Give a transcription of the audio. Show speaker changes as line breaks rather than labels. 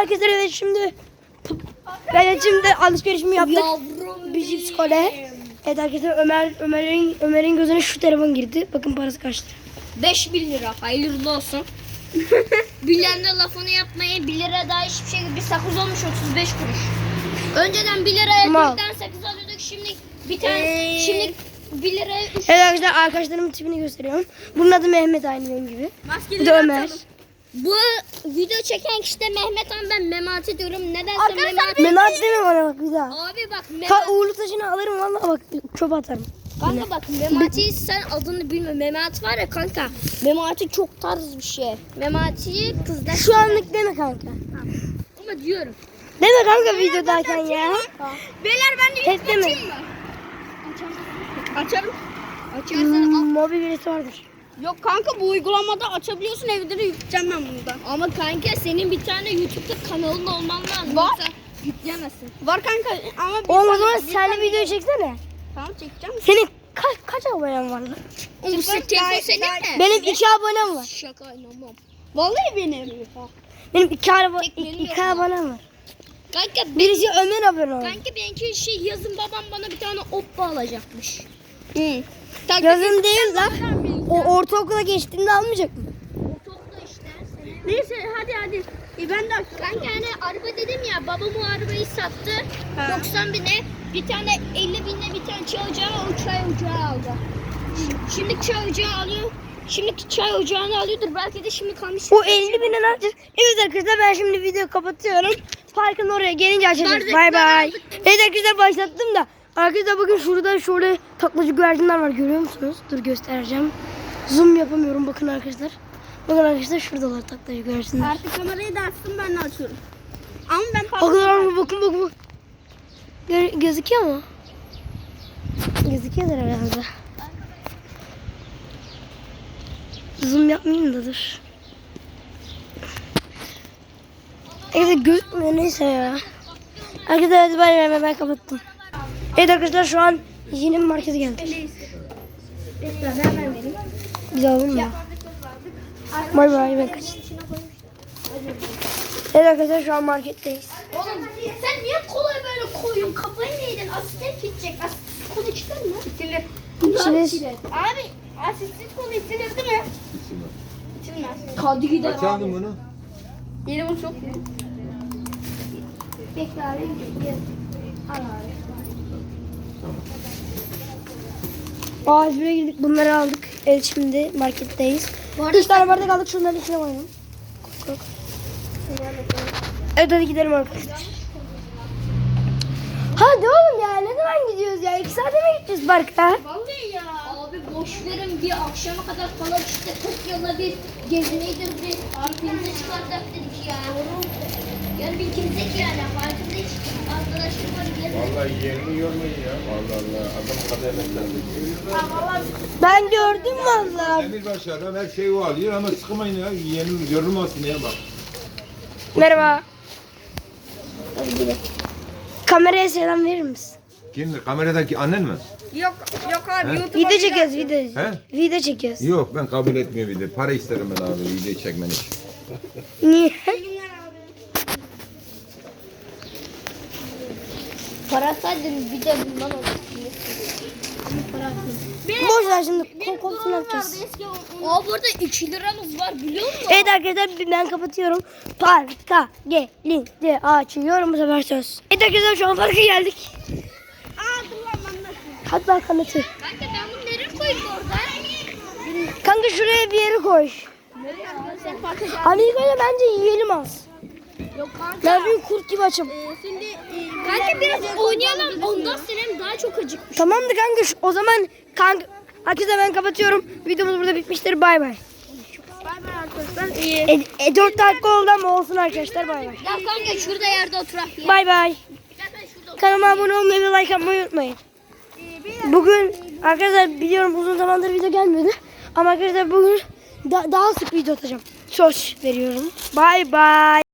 arkadaşlar evet şimdi alışverişimi yaptık.
Yavrum
Bir cips kole. Evet arkadaşlar Ömer'in gözüne şu telefon girdi. Bakın parası kaçtı.
5.000 lira. Hayırlı olsun. Bilen de lafını yapmayın. 1 lira daha hiçbir şey. Bir sakız olmuş 35 kuruş. Önceden 1 liraya
Mal.
4 tane sakız alıyorduk. Şimdi bir tane şimdi 1 liraya 3.
Evet arkadaşlar arkadaşlarımın tipini gösteriyorum. Bunun adı Mehmet aynı benim gibi. Bu da Ömer.
Bu video çeken kişi de Mehmet Han, ben Memati diyorum. Nedense Memati.
Mehmet deme bana bak bir daha.
Abi bak Memati.
Uğurlu taşını alırım vallahi bak çöpe atarım.
Kanka bak Memati sen adını bilme. Memati var ya kanka. Memati çok tarz bir şey. Memati'yi kızlar.
Şu anlık deme kanka.
Ama diyorum.
Deme kanka videodayken ya.
Beyler ben de
Hep deme.
Açarım. Açarsın.
Mobil birisi vardır.
Yok kanka bu uygulamada açabiliyorsun, evde de yükleyeceğim ben bunu da. Ama kanka senin bir tane YouTube'da kanalın olman lazım.
Var.
Yoksa yükleyemezsin. Var kanka ama
Oğlum o zaman sen de video çeksene.
Tamam çekeceğim.
Senin kaç abonen var lan?
Bu telefon senin mi?
Benim 2 abonem var.
Şaka inanmam. Vallahi benim.
Benim 2
Tekleri yok.
abonem var.
Kanka
Birisi Ömer abone oldu.
kanka benimki yazın babam bana bir tane oppa alacakmış.
Yazın değil lan. O ortaokula geçtiğinde almayacak mı?
Ortaokulda işte. Neyse hadi. Ben de kanka hani araba dedim ya, babam o arabayı sattı. 90 bine bir tane 50 bine bir tane çay ocağı, o çay ocağı aldı. Şimdi çay ocağı alıyor. Şimdi çay ocağını alıyordur. Belki de şimdi kalmış.
O 50 bine ne yapacağız? Evet arkadaşlar ben şimdi videoyu kapatıyorum. Parkın oraya gelince açacağız.
Bardaklar
Bay bay.
aldık.
Evet arkadaşlar başlattım da. Arkadaşlar bakın şurada şöyle taklacı güvercinler var, görüyor musunuz? Dur göstereceğim. Zoom yapamıyorum bakın arkadaşlar. Bakın arkadaşlar şuradalar taklacı güvercinler.
Artık kamerayı da açtım, ben de açıyorum. Ama ben
Bakın. Gözüküyor mu? Gözüküyordur herhalde. Zoom yapmayayım da dur. Evet gözükmüyor, neyse ya. Arkadaşlar hadi bay ben kapattım. Evet arkadaşlar şu an yeni bir markete geldik. Biz alalım mı? Bay ben kaçtım. Evet arkadaşlar şu an marketteyiz.
Oğlum sen niye kolay böyle koyuyorsun? Kafayı mı yedin? Asistan gidecek. Asistan kolu içilir mi? İçilir. Abi asistan kolu içilir değil mi? İçilmez. Hadi gidelim.
Kaç aldın bunu?
Yeni bu çok iyi. Bekle abi. Al abi.
Ağaçlara girdik, bunları aldık. Evet şimdi marketteyiz. 3 tane bardak aldık, şunların içine koyalım. Koy. Evet hadi gidelim arkadaşlar. Hadi oğlum ya, ne zaman gidiyoruz ya? 2 saate mi gideceğiz parka?
Vallahi ya. Abi boş verin, bir akşama kadar falan işte Tokyo'da bir gezineydik, bir arkamıza çıkartak dedik ya. Yani bir kimsek yani farkında hiç arkadaşım var.
Vallahi yerini yormayın ya. Allah adam kadar emeklendi.
Ben gördüm vallahi.
Demirbaşı adam her şeyi o alıyor ama sıkmayın ya. Yerini yorulmasın ya bak.
Merhaba. Hadi gidelim. Kameraya selam verir misin?
Kimdir? Kameradaki annen mi?
Yok abi,
He?
Video çekiyoruz video.
He?
Video çekiyoruz.
Yok ben kabul etmiyorum bir de. Para isterim ben abi video çekmen için.
Niye?
Para saydın bir de bundan olsun.
Boş ver şimdi kokosunu yapacağız.
Aa burada 2 liramız var biliyor musun?
Evet arkadaşlar ben kapatıyorum. Parka gelince açıyorum bu sefer söz. Evet arkadaşlar şu an parka geldik.
Dur lan ben nasıl?
Hadi bak anlatır.
Kanka ben bunu nereye koyayım orada?
Kanka şuraya bir yere koy.
Nereye koyayım? Sen parka gel.
Hani ilk önce bence yiyelim az.
Yok kanka.
Ben bir kurt gibi açım.
Şimdi kanka biraz oynayalım. Ondan sonra daha çok acıkmış.
Tamamdır kanka o zaman kanka. Arkadaşlar ben kapatıyorum. Videomuz burada bitmiştir. Bay bay.
Bay bay arkadaşlar.
4 dakika oldu ama olsun arkadaşlar. Bay bay.
Ya kanka şurada yerde oturak ya.
Bay bay. Kanalıma abone olmayı ve like atmayı unutmayın. Bugün arkadaşlar biliyorum uzun zamandır video gelmedi. Ama arkadaşlar bugün daha sık video atacağım. Söz veriyorum. Bay bay.